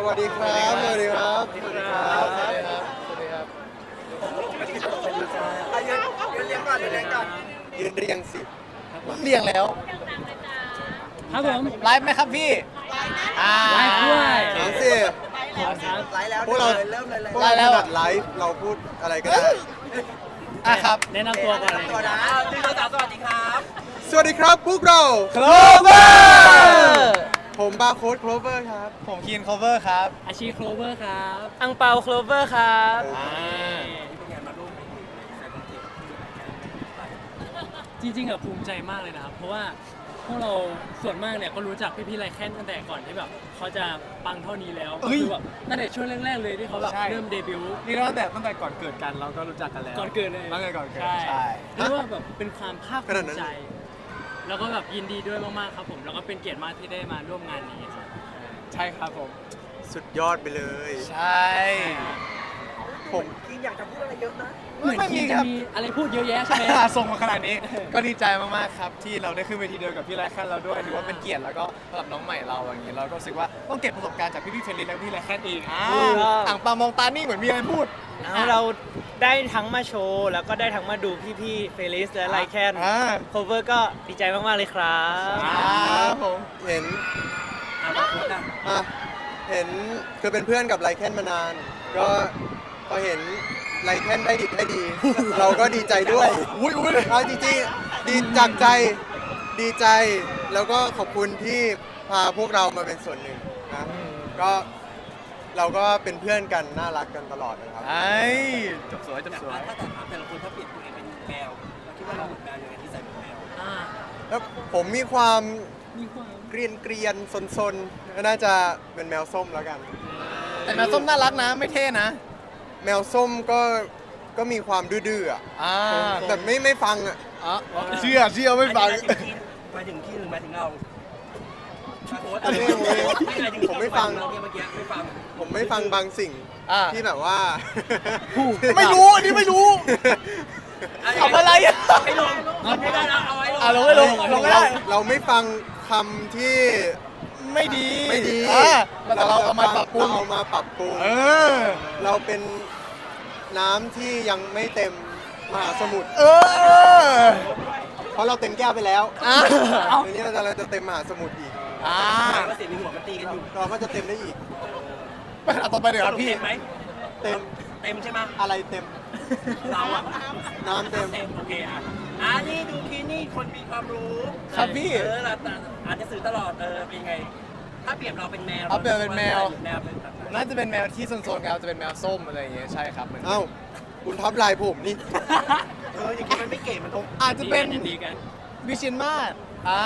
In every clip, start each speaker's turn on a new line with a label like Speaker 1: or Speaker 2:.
Speaker 1: วัสดีครับ สวัสดีครับ
Speaker 2: สวัสดีครับ
Speaker 1: สวัสดีครับ สวัสดีครับ ยืนเรียงสิ
Speaker 2: เรียงแล้ว
Speaker 3: ครับผม
Speaker 2: ไลฟ์ไหมครับพี่
Speaker 3: ไลฟ์ด้วย
Speaker 1: เอาสิ
Speaker 4: ไลฟ์แล้ว
Speaker 1: พวกเรา
Speaker 4: เริ่มเลย
Speaker 1: พวกเราถนัดไลฟ์เราพูดอะไรก็ได้
Speaker 2: ครับ
Speaker 3: แนะนำตัวก่อนเลย
Speaker 4: ตัวนะพี่โรสสวัสดีครับ
Speaker 1: สวัสดีครับพวกเรา
Speaker 2: Clover
Speaker 1: ผมบาร์โค้ดโคลเวอร์ครับ
Speaker 2: ผมคีน Cover ครับ
Speaker 3: อาชีโคลเวอร์ครับ
Speaker 5: อังเปาโคลเวอร์ครับ
Speaker 3: จริงๆอะภูมิใจมากเลยนะครับ เพราะว่าพวกเราส่วนมากเนี่ยก็รู้จักพี่ๆไรแค่นตั้งแต่ก่อนที่แบบเขาจะปังเท่านี้แล้ว
Speaker 2: เฮ้ย
Speaker 3: คือแบบตั้งแต่ช่วงแรกๆเลยที่เขาแบบ
Speaker 2: ใช่
Speaker 3: เริ่มเดบิวต์
Speaker 2: นี่ตั้งแต่ก่อนเกิดกันเราก็รู้จักกันแล้ว
Speaker 3: ก่อนเกิดเลย
Speaker 2: ตั้งแต่ก่อนเกิด
Speaker 3: ใช่เรียกว่าแบบเป็นความภาคภูมิใจ แล้วก็แบบยินดีด้วยมากๆครับผม แล้วก็เป็นเกียรติมากที่ได้มาร่วมงานนี้ครับ
Speaker 2: ใช่ครับผม
Speaker 1: สุดยอดไปเลย
Speaker 2: ใช่
Speaker 1: ผม
Speaker 4: กินอยากจะพูดอะไรเยอะนะ
Speaker 3: เหมือนที่จะมีอะไรพูดเยอะแยะใช่ไหม
Speaker 2: ส่งมาขนาดนี้ ก็ดีใจมากๆครับที่เราได้ขึ้นเวทีเดียวกับพี่ไรแคนเราด้วยถือว่าเป็นเกียรติแล้วก็สำหรับน้องใหม่เราอย่างนี้เราก็รู้สึกว่าต้องเก็บประสบการณ์จากพี่ๆเฟรนลิสและพี่ไรแคนเองอ่างปามองตานี่เหมือนมีอะไรพูด
Speaker 5: เราได้ทั้งมาโชว์ แล้วก็ได้ทั้งมาดูพี่ๆเฟลิสและไลแคนโคเวอร์ก็ดีใจมากๆเลยครับ
Speaker 2: ครับผม
Speaker 1: เห็นอ่ะเห็นคือเป็นเพื่อนกับไลแคนมานาน ก็พอเห็นไลแคนได้ดิบได้ดี เราก็ดีใจด้วย
Speaker 2: อุ้ย
Speaker 1: เอาจริงๆดีจากใจดีใจแล้วก็ขอบคุณที่พาพวกเรามาเป็นส่วนหนึ่งนะก็เราก็เป็นเพื่อนกันน่ารักกันตลอดนะครับ
Speaker 2: ไอ้จบสวยจบสวย
Speaker 4: ถ้าแต่ถามแต่ละคนถ้าเปลี่ยนตัวเองเป็นแมวเราคิดว่าเราเหมือนแมวยังไงที่ใส่เป็นแมว
Speaker 3: อ่า
Speaker 1: แล้วผมมีความ
Speaker 3: มีความ
Speaker 1: เกรียนซนๆก็น่าจะเป็นแมวส้มแล้วกัน
Speaker 2: แต่แมวส้มน่ารักนะไม่เท่นะ
Speaker 1: แมวส้มก็มีความดื้อๆอ่ะ แต่ไม่ฟังอ่ะ
Speaker 2: เชื่อไม่ฟัง
Speaker 4: หมายถึงที่หรือหมายถึงเราโค้ด
Speaker 1: อันนี้ผมไม่ฟัง
Speaker 4: เราเนี่ยเมื่อกี้ไม่ฟัง
Speaker 1: ผมไม่ฟังบางสิ่งที่แบบว่า
Speaker 2: ไม่รู้อันนี้ไม่รู้ทำอะไรอ่ะ
Speaker 4: ไม่ลงไม่ได้แล้วเอาไว้ลง
Speaker 2: ลงไม่ลงลงไม่ได้
Speaker 1: เราไม่ฟังคำที่
Speaker 2: ไม่ดี
Speaker 1: ไม่ดี
Speaker 2: แต่เราเอามาปรับปรุง
Speaker 1: เราเอามาปรับปรุง
Speaker 2: อ
Speaker 1: เราเป็นน้ำที่ยังไม่เต็มมหาสมุทร เพราะเราเต็มแก้วไปแล้วทีนี้เราจะเต็มมหาสมุทรอีก
Speaker 4: ก็เสียงในหัวมันตีกันอยู่
Speaker 1: เราก็จะเต็มได้อีก
Speaker 2: ไปหาต่อไปเดี๋ยวครับพี่
Speaker 4: เต็มไหม
Speaker 1: เต็ม
Speaker 4: เต็มใช่ไหม
Speaker 1: อะไรเต็ม
Speaker 4: เราอะ
Speaker 1: น้ำเต็ม
Speaker 4: เต็มโอเคอ่ะนี่ดูคีนี่คนมีความรู้
Speaker 2: ครับพี่
Speaker 4: เราอ่านหนังสือตลอดเป็นไง ถ้าเปรียบเราเป็นแมว
Speaker 2: เอาเปรียบเป็นแมว
Speaker 4: แมวเป็น
Speaker 2: น่าจะเป็นแมวที่โซนๆครับจะเป็นแมวส้มอะไรอย่างเงี้ยใช่ครับ
Speaker 1: เอ้า คุณทับลายผมนี่
Speaker 4: อย่างนี้มันไม่เก๋มันต้อง
Speaker 2: อาจจะเป็น
Speaker 3: ดีกัน
Speaker 2: วิเชียนมาศ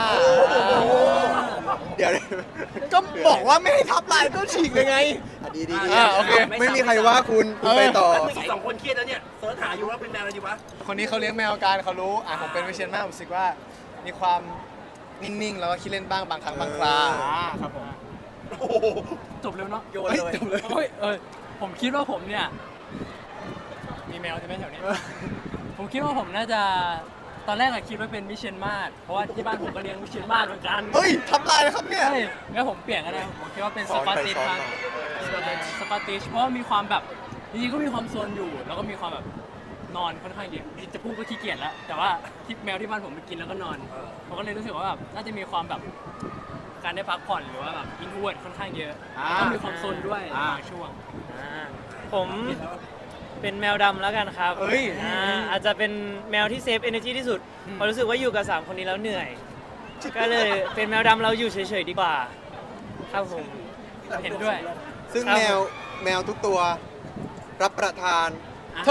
Speaker 1: เดี๋ยว
Speaker 2: ก็บอกว่าไม่ให้ทับลายก็ฉีกเลยไง
Speaker 1: ดีดี
Speaker 2: โอเค
Speaker 1: ไม่มีใครว่าคุณไปต่อ
Speaker 4: อีกสองคนเครียดแล้วเนี่ยเสิร์ชหาอยู่ว่าเป็นแมวอะไรดีวะ
Speaker 2: คนนี้เขาเลี้ยงแมวกันเขารู้ผมเป็นวิเชียนมาศผมรู้สึกว่ามีความนิ่งๆแล้วก็ขี้เล่นบ้างบางครั้งบางคราครับผม
Speaker 4: โอ้โห
Speaker 3: จบเร็วเนาะ
Speaker 4: โยนเลย
Speaker 2: จบเลย
Speaker 3: โอ้ยผมคิดว่าผมเนี่ย มีแมวใช่ไหมแถวนี้ ผมคิดว่าผมน่าจะ ตอนแรกอะคิดว่าเป็นวิเชียนมาศเพราะว่าที่บ้านผมก็เลี้ยงวิเชียนมาศเหมือนกัน
Speaker 2: เฮ้ยทับลายนะครับเนี่ย
Speaker 3: ใช่งั้นผมเปลี่ยนกันนะผมคิดว่าเป็น
Speaker 1: ส
Speaker 3: ส
Speaker 1: อน
Speaker 3: ปา
Speaker 1: ไป
Speaker 3: ติช
Speaker 1: สอน
Speaker 3: ครับ
Speaker 1: มา
Speaker 3: เป็นสปาติชเพราะว่ามีความแบบจริงๆก็มีความโซนอยู่ แล้วก็มีความแบบนอนค่อนข้างเยอะจะพูดก็ขี้เกียจแล้ว แต่ว่าที่แมวที่บ้านผมไปกินแล้วก็นอนผมก็เลยรู้สึกว่าแบบน่าจะมีความแบบการได้พักผ่อนหรือว่าแบบอินทรเวิร์ดค่อนข้างเยอะแล้วก็มีความโซนด้วยบางช่วง
Speaker 5: ผมเป็นแมวดำแล้วกันครับ
Speaker 2: เฮ้ย
Speaker 5: อาจจะเป็นแมวที่เซฟ energy ที่สุดเพราะรู้สึกว่าอยู่กับ3คนนี้แล้วเหนื่อย ก็เลยเป็นแมวดำเราอยู่เฉยๆดีกว่า ครับผม
Speaker 3: เห็นด้วย
Speaker 1: ซึ่ง
Speaker 5: ครับ
Speaker 1: แมวทุกตัวรับประทาน
Speaker 2: โถ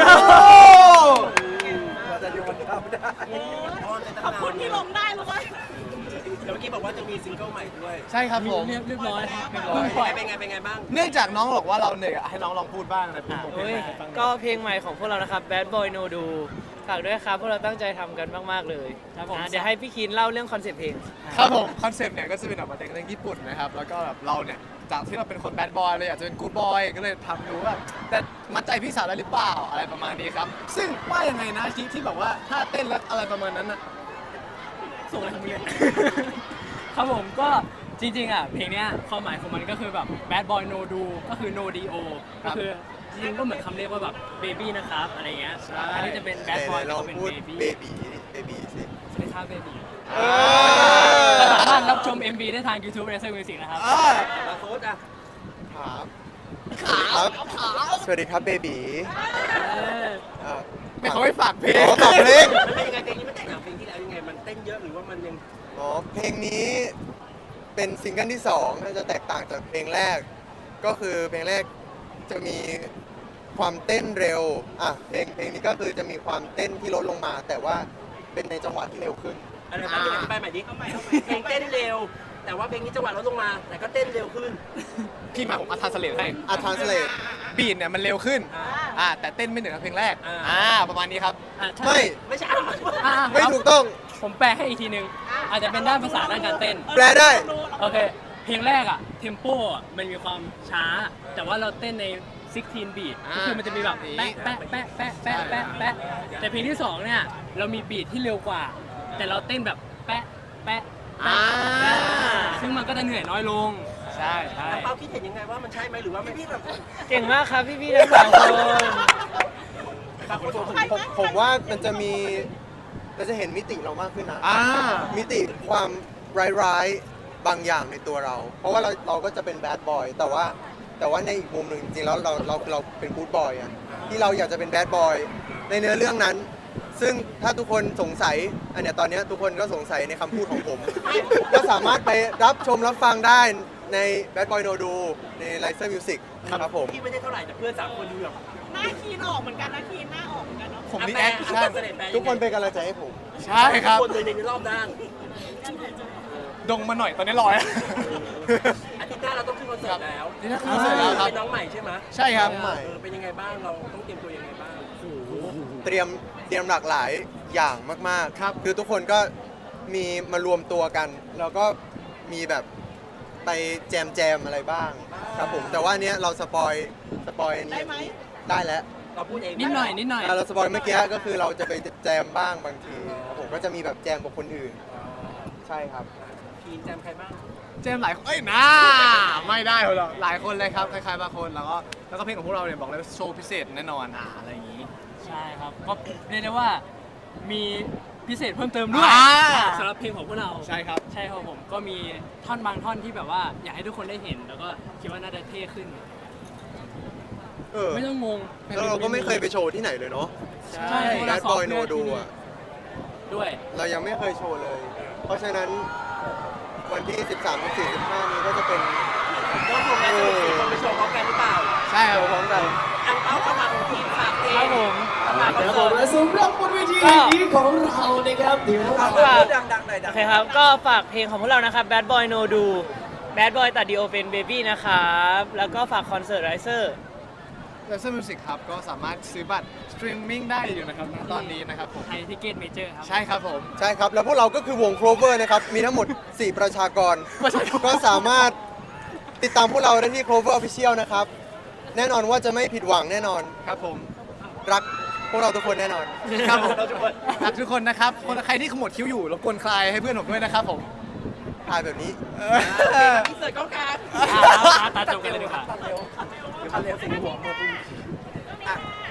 Speaker 4: เราจะโยนเข้าไม่ได้
Speaker 6: ขอบคุณที่ลงได้รู้ไหม
Speaker 4: เดี๋ยวเมื่อกี้บอกว่าจะมีซิงเกิลใหม่ด้วย
Speaker 2: ใช่ครับผม
Speaker 3: เรียบร้อยครับ
Speaker 4: ปล่อยเป็นไงบ้าง
Speaker 2: เนื่องจากน้องบอกว่าเราเหนื่อยอะให้น้องลองพูดบ้างนะผม
Speaker 5: เฮ้ยก็เพลงใหม่ของพวกเรานะครับ Bad Boy No Do ฝากด้วยครับพวกเราตั้งใจทำกันมากๆเลย
Speaker 3: ครับผม
Speaker 5: เดี๋ยวให้พี่คินเล่าเรื่องคอนเซ็ปต์เพลง
Speaker 2: ครับผมคอนเซปต์เนี่ยก็จะเป็นแบบมาจากเรื่องญี่ปุ่นนะครับแล้วก็แบบเราเนี่ยจากที่เราเป็นคนแบดบอยเลยอยากจะเป็นกู๊ดบอยก็เลยทำดูว่าแต่มัดใจพี่สาวได้หรือเปล่าอะไรประมาณนี้ครับซึ่งว่ายังไงนะที่แบบว่าถ้าเต้นแล้วอะไรประมาณนั้นนะ
Speaker 3: ส่งอะไรของมึงเนี่ย ครับผมก็จริงๆอ่ะเพลงเนี้ยความหมายของมันก็คือแบบ bad boy no do ก็คือ no do ก็คือจริงๆก็เหมือนคำเรียกว่าแบบ baby นะครับอะไรเงี้ยอันนี้จะเป็น bad
Speaker 1: ไห
Speaker 3: boy
Speaker 1: นๆล
Speaker 3: ก็
Speaker 1: อง
Speaker 3: เป็น
Speaker 1: พูด
Speaker 3: baby
Speaker 1: เบบีสิ
Speaker 3: สวัสดีครับ baby
Speaker 1: เออ
Speaker 3: สามารถรับชม MV ได้ทาง YouTube Razer Music นะครับ
Speaker 4: มาโค้ดอ่ะ
Speaker 1: ครับสวัสดีครับเบบี
Speaker 2: ไม่เขาไม่ฝากเพลง
Speaker 1: อ๋อฝากเพลง
Speaker 4: มันเป็นยังไงเพลงนี้มันแตกต่างเพลงที่แล้วยังไงมันเต้นเยอะหรือว่ามันยัง
Speaker 1: อ๋อเพลงนี้เป็นซิงเกิลที่2น่าจะแตกต่างจากเพลงแรก ก็คือเพลงแรกจะมีความเต้นเร็วเพลงนี้ก็คือจะมีความเต้นที่ลดลงมา แต่ว่าเป็นในจังหวะที่เร็วขึ้น
Speaker 4: อะไรบ้างอธิบายใหม่ดิเพลงเต้นเร็ว แต่ว่าเพลงนี้จังหวะลดลงมา แต่ก็เต้นเร็วขึ้น
Speaker 2: พี่มาผมอัธสเลตให้
Speaker 1: ทรานสเลท
Speaker 2: บีทเนี่ยมันเร็วขึ้น
Speaker 4: อ่า
Speaker 2: แต่เต้นไม่เหมือนกับเพลงแรก
Speaker 4: อ่า
Speaker 2: ประมาณนี้ครับ
Speaker 3: ใช่
Speaker 1: ไม่
Speaker 4: ไม่ใช่
Speaker 1: ไม่ถูกต้อง
Speaker 3: ผมแปลให้อีกทีนึง อาจจะเป็นด้านภาษาด้านการเต้น
Speaker 1: แปลได้
Speaker 3: โอเค เพลงแรกอะเทมโปอะมันมีความช้า แต่ว่าเราเต้นใน16 บีทก็คือมันจะมีแบบแปะแปะแปะแปะแปะแปะแปะแต่เพลงที่2เนี่ยเรามีบีทที่เร็วกว่า แต่เราเต้นแบบแปะแปะแปะแปะซึ่งมันก็จะเหนื่อยน้อยลง ใช่ใช่
Speaker 4: แล้วเป้าคิดเห็นยังไงว่ามันใช่ไหมหรือว่าไม่พี่แบบ
Speaker 5: เก่งมากครับพี่ๆทั้งสองคน
Speaker 1: ผมว่ามันจะมีเราจะเห็นมิติเรามากขึ้นนะ มิติความร้ายๆบางอย่างในตัวเรา เพราะว่าเราก็จะเป็นแบดบอยแต่ว่าในอีกมุมหนึ่งจริงๆแล้วเราเป็นกู๊ดบอยอะที่เราอยากจะเป็นแบดบอยในเนื้อเรื่องนั้น ซึ่งถ้าทุกคนสงสัยอันเนี้ยตอนเนี้ยทุกคนก็สงสัยในคำพูดของผม ก็สามารถไปรับชมรับฟังได้ใน Bad Boy No Do ใน Razer Music ครับผม
Speaker 4: พี่ไม่ได้เท่าไหร่แต่เพื่อน3 คนดูแบบ
Speaker 6: หน้าคีนออกเหมือนกันนะคีนหน้าออกเหมือนกันเนาะ
Speaker 2: ผมนี่
Speaker 4: แปล
Speaker 2: แอคชั่น
Speaker 1: ทุกคนเป็นกำลังใจให้ผม
Speaker 2: ใช่ครับ
Speaker 4: คนเลยในรอบด้าน
Speaker 2: ดงมาหน่อยตอนนี้ลอย
Speaker 4: อาทิตย์หน้าเราต้องขึ้นคอนเสิร์ตแล้ว
Speaker 2: อาทิตย์หน้าขึ้นคอนเสิร์ตแล้วครับ
Speaker 4: เป็นน้องใหม่ใช่ไหม
Speaker 2: ใช่ครับ
Speaker 1: น้องใหม่
Speaker 4: เป็นยังไงบ้างเราต้องเตรียมตัวยังไงบ้าง
Speaker 1: เตรียมหลากหลายอย่างมากๆ
Speaker 2: ครับ
Speaker 1: คือทุกคนก็มีมารวมตัวกัน แล้วก็มีแบบไปแจมอะไรบ้างครับผมแต่ว่าอันเนี้ยเราสปอยอันนี้
Speaker 6: ได้ไหม
Speaker 1: ได้แล้ว
Speaker 4: เราพูดเอง
Speaker 3: นิดหน่อยนิดหน่อย
Speaker 1: เราสปอยเมื่อกี้ก็คือเราจะไปแจมบ้างบางทีครับผมก็จะมีแบบแจมกับคนอื่น ใช่ครับ
Speaker 4: ทีมแจมใครบ้าง
Speaker 2: เจมส์หลายคนเอ้ยน่าไม่ได้หรอกหลายคนเลยครับคล้ายๆบางคนแล้วก็เพลงของพวกเราเนี่ยบอกเลยว่าโชว์พิเศษแน่นอนอะไรอย่างนี้
Speaker 3: ใช่ครับ ก็เรียกได้ว่ามีพิเศษเพิ่มเติมด้วย
Speaker 2: อ่า
Speaker 3: สำหรับเพลงของพวกเรา
Speaker 2: ใช่ครับ
Speaker 3: ใช่ครับผมก็มีท่อนบางท่อนที่แบบว่าอยากให้ทุกคนได้เห็น แล้วก็คิดว่าน่าจะเท่ขึ้น ไม่ต้องงง
Speaker 1: แล้วเราก็ไม่เคยไปโชว์ที่ไหนเลยเนาะ
Speaker 3: ใช่
Speaker 1: แบดบอยโนดูอ่ะ
Speaker 3: ด้วย
Speaker 1: เรายังไม่เคยโชว์เลย เพราะฉะนั้นวันที่ 13 14 15 นี้ก็จะเป็น
Speaker 4: ก็คงได้สนุกสิคนไปโชว์พร้อมกันหรือเปล่า
Speaker 2: ใช่ครับ
Speaker 1: พร้อมกัน
Speaker 4: อังเป้าเข้ามาของทีมฝากเอง
Speaker 5: ครับผม
Speaker 4: ฝากคอน
Speaker 7: ครับผ
Speaker 4: เสิ
Speaker 7: ม
Speaker 4: ร์ต
Speaker 7: และสำหรับบนเวทีนี้ของเรานะครับเดี๋ยวเรา
Speaker 5: ฝาก
Speaker 4: ดังๆหน่อยดั
Speaker 5: โอง เคครับ ก็ฝากเพลงของพวกเรานะครับ Bad Boy No Do Bad Boy ตัดดีโอเป็น Baby นะครับ แล้วก็ฝากคอนเสิร์ต Riser
Speaker 2: เลเซอร์มิวสิกครับก็สามารถซื้อบัตรสตรีมมิ่งได้อยู่นะครับณตอนนี้นะครับผม
Speaker 3: ไทยทิเก็ตเมเจอร์ครับ
Speaker 2: ใช่ครับผม
Speaker 1: ใช่ครับ แล้วพวกเราก็คือวง Clover นะครับ มีทั้งหมด 4 ประชากร ก็สามารถติดตามพวกเราได้ที่ Clover Official นะครับ แน่นอนว่าจะไม่ผิดหวังแน่นอน
Speaker 2: ครับผม
Speaker 1: รักพวกเราทุกคนแน่นอน
Speaker 2: ครับผมรักทุกคนนะครับคนใครที่ขมวดคิ้วอยู่รบกวนคลายให้เพื่อนผมด้วยนะครับผม
Speaker 1: ถ่ายแบบนี้
Speaker 4: อินเสิร์ตกล้องกลาง
Speaker 3: ตาจบกันเลยดีกว่า
Speaker 4: เดี๋ยวคันเร็วสิ่งหัวมาปุ๊บอ่ะ